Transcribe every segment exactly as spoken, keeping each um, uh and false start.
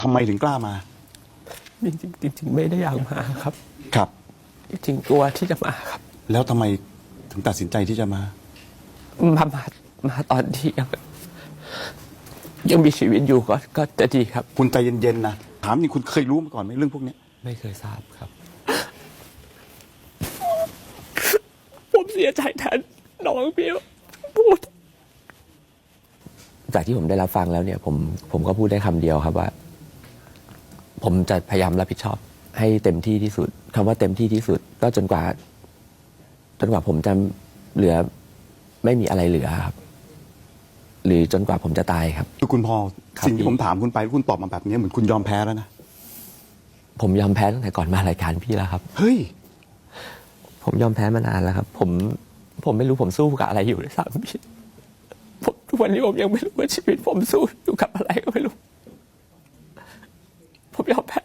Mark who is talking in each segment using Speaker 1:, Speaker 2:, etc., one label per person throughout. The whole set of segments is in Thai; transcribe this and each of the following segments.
Speaker 1: ทำไมถึงกล้ามา
Speaker 2: จริงๆจริงๆไม่ได้อยากมาครับ
Speaker 1: ครับ
Speaker 2: จริงๆกลัวที่จะมาครับ
Speaker 1: แล้วทำไมถึงตัดสินใจที่จะมา
Speaker 2: มามามาตอนที่ยังยังมีชีวิตอยู่ก็ก็จะดีครับ
Speaker 1: คุณใจเย็นๆนะถามจริงคุณเคยรู้มาก่อนไหมเรื่องพวกนี้
Speaker 2: ไม่เคยทราบครับผมเสียใจแทนน้องพี่พูดจากที่ผมได้รับฟังแล้วเนี่ยผมผมก็พูดได้คำเดียวครับว่าผมจะพยายามรับผิดชอบให้เต็มที่ที่สุดคำว่าเต็มที่ที่สุดก็จนกว่าจนกว่าผมจะเหลือไม่มีอะไรเหลือครับหรือจนกว่าผมจะตายครับ
Speaker 1: คือคุณพอสิ่งที่ผมถามคุณไปคุณตอบมาแบบนี้เหมือนคุณยอมแพ้แล้วนะ
Speaker 2: ผมยอมแพ้ตั้งแต่ก่อนมารายการพี่แล้วครับ
Speaker 1: เฮ้ย
Speaker 2: ผมยอมแพ้มานานแล้วครับผมผมไม่รู้ผมสู้กับอะไรอยู่เลยซ้ำพี่ผมทุกวันนี้ผมยังไม่รู้ว่าชีวิตผมสู้อยู่กับอะไรก็ไม่รู้ผมยอมแพ้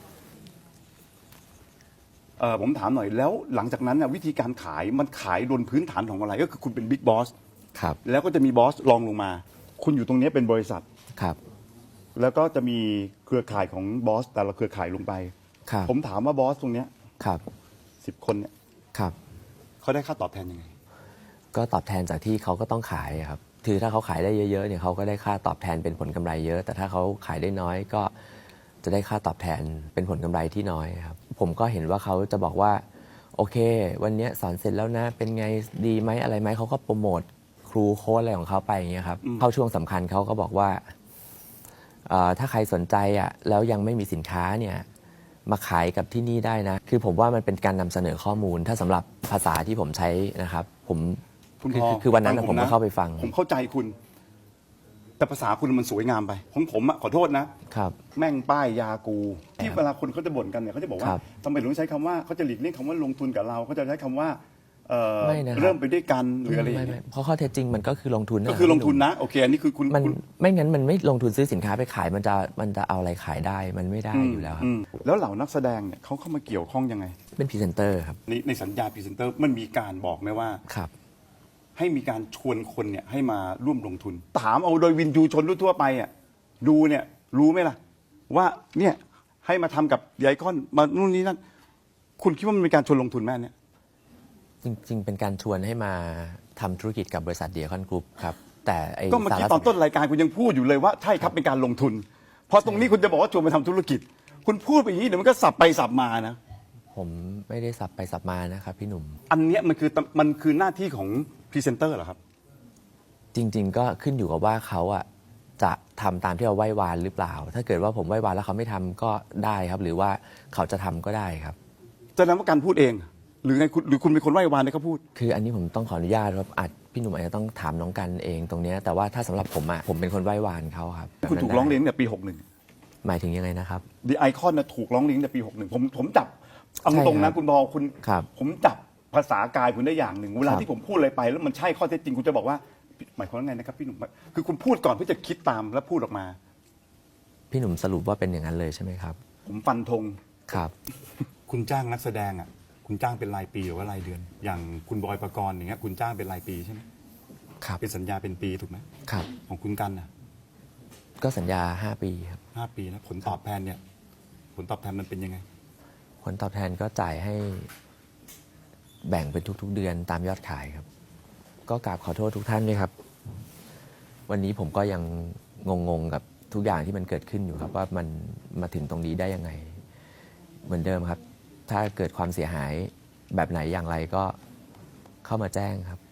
Speaker 1: เออผมถามหน่อยแล้วหลังจากนั้นน่ะวิธีการขายมันขายบนพื้นฐานของอะไรก็คือคุณเป็นบิ๊กบอส
Speaker 2: ครับ
Speaker 1: แล้วก็จะมีบอสรองลงมาคุณอยู่ตรงนี้เป็นบริษัท
Speaker 2: ครับ
Speaker 1: แล้วก็จะมีเครือข่ายของบอสแต่ละเครือข่ายลงไป
Speaker 2: ครับ
Speaker 1: ผมถามว่าบอสตรงเนี้ย
Speaker 2: ครับ
Speaker 1: สิบคนเนี่ย
Speaker 2: ครับ
Speaker 1: เขาได้ค่าตอบแทนยังไง
Speaker 2: ก็ตอบแทนจากที่เขาก็ต้องขายครับคือถ้าเขาขายได้เยอะๆเนี่ยเขาก็ได้ค่าตอบแทนเป็นผลกำไรเยอะ แต่ถ้าเขาขายได้น้อยก็จะได้ค่าตอบแทนเป็นผลกำไรที่น้อยครับผมก็เห็นว่าเขาจะบอกว่าโอเควันนี้สอนเสร็จแล้วนะเป็นไงดีไหมอะไรไหมเขาก็โปรโมทครูโค้ชอะไรของเขาไปอย่างเงี้ยครับเข้าช่วงสำคัญเขาก็บอกว่าถ้าใครสนใจอ่ะแล้วยังไม่มีสินค้าเนี่ยมาขายกับที่นี่ได้นะคือผมว่ามันเป็นการนำเสนอข้อมูลถ้าสำหรับภาษาที่ผมใช้นะครับผมคือคือวันนั้นผมก็เข้าไปฟัง
Speaker 1: ผมเข้าใจคุณแต่ภาษาคุณมันสวยงามไปของผมอ่ะขอโทษนะครับแม่งป้ายยากูที่เวลาคนเขาจะบ่นกันเนี่ยเขาจะบอกว่าทำไมถึงใช้คำว่าเขาจะหลีกเลี่ยงคำว่าลงทุนกับเราเขาจะใช้คำว่าเริ่มไปด้วยกันหรืออะไรอย่างเงี้ย
Speaker 2: เพราะข้อเท็จจริงมันก็คือลงทุน
Speaker 1: ก็คือลงทุนนะโอเคอันนี้คือคุณ
Speaker 2: มันไม่งั้นมันไม่ลงทุนซื้อสินค้าไปขายมันจะมันจะเอาอะไรขายได้มันไม่ได้อยู่แล้วครับ
Speaker 1: แล้วเหล่านักแสดงเนี่ยเขาเข้ามาเกี่ยวข้องยังไง
Speaker 2: เป็นพรีเซนเตอร์ครับ
Speaker 1: ในในสัญญาพรีเซนเตอร์มันมีการบอกไหมว่า
Speaker 2: ครับ
Speaker 1: ให้มีการชวนคนเนี่ยให้มาร่วมลงทุนถามเอาโดยวินยูชนทั่วไปอ่ะดูเนี่ยรู้ไหมล่ะว่าเนี่ยให้มาทำกับไอคอนมานู่นนี่นั่นคุณคิดว่ามันเป็นการชวนลงทุนไหมเนี่ย
Speaker 2: จริงๆเป็นการชวนให้มาทำธุรกิจกับบริษัทเดียคอนกรุ๊ปครับแต่ไอ้
Speaker 1: ก็เมื่อกี้ตอนต้นรายการคุณยังพูดอยู่เลยว่าใช่ครับเป็นการลงทุนพอตรงนี้คุณจะบอกว่าชวนมาทำธุรกิจคุณพูดไปอย่างนี้เดี๋ยวมันก็สับไปสับมานะ
Speaker 2: ผมไม่ได้สับไปสับมานะครับพี่หนุ่ม
Speaker 1: อันเนี้ยมันคือมันคือหน้าที่ของพรีเซนเตอร์เหรอครับ
Speaker 2: จริงๆก็ขึ้นอยู่กับว่าเขาอะจะทำตามที่เราไหว้วานหรือเปล่าถ้าเกิดว่าผมไหว้วานแล้วเขาไม่ทำก็ได้ครับหรือว่าเขาจะทำก็ได้ครับ
Speaker 1: จะนำว่าการพูดเองหรือไงหรือคุณเป็นคนไหว้วานให้เขาพูด
Speaker 2: คืออันนี้ผมต้องขออนุญาตครับอาจพี่หนุ่มอาจจะต้องถามน้องกันเองตรงนี้แต่ว่าถ้าสำหรับผมอะผมเป็นคนไหว้วานเขาครับ
Speaker 1: คุณถูกร้องเรียนตั้งแต่ปีหกหนึ่ง
Speaker 2: หมายถึงยังไงนะครับ
Speaker 1: ดีไอคอนนะถูกร้องเรียนตั้งแต่ปีหกหนึ่งผมผมจับเอาตรงนะคุณบอลคุณผมจับภาษากายคุณได้อย่างหนึ่งเวลาที่ผมพูดอะไรไปแล้วมันใช่ข้อเท็จจริงคุณจะบอกว่าหมายความว่าไงนะครับพี่หนุ่มคือคุณพูดก่อนเพื่อจะคิดตามแล้วพูดออกมา
Speaker 2: พี่หนุ่มสรุปว่าเป็นอย่างนั้นเลยใช่ไหมครับ
Speaker 1: ผมฟันธง
Speaker 2: ครับ
Speaker 1: คุณจ้างนักแสดงอ่ะคุณจ้างเป็นรายปีหรือว่ารายเดือน อย่างคุณบอยปกรณ์อย่างเงี้ยคุณจ้างเป็นรายปีใช่ไหม
Speaker 2: ครับ
Speaker 1: เป็นสัญญาเป็นปีถูกไหม
Speaker 2: ครับ
Speaker 1: ของคุณกันน่ะ
Speaker 2: ก็สัญญาห้าปีครับ
Speaker 1: ห้าปีแล้วผลตอบแทนเนี่ยผลตอบแทนมันเป็นยังไง
Speaker 2: ผลตอบแทนก็จ่ายให้แบ่งเป็นทุกๆเดือนตามยอดขายครับก็กราบขอโทษทุกท่านด้วยครับวันนี้ผมก็ยังงงๆกับทุกอย่างที่มันเกิดขึ้นอยู่ครับว่ามันมาถึงตรงนี้ได้ยังไงเหมือนเดิมครับถ้าเกิดความเสียหายแบบไหนอย่างไรก็เข้ามาแจ้งครับ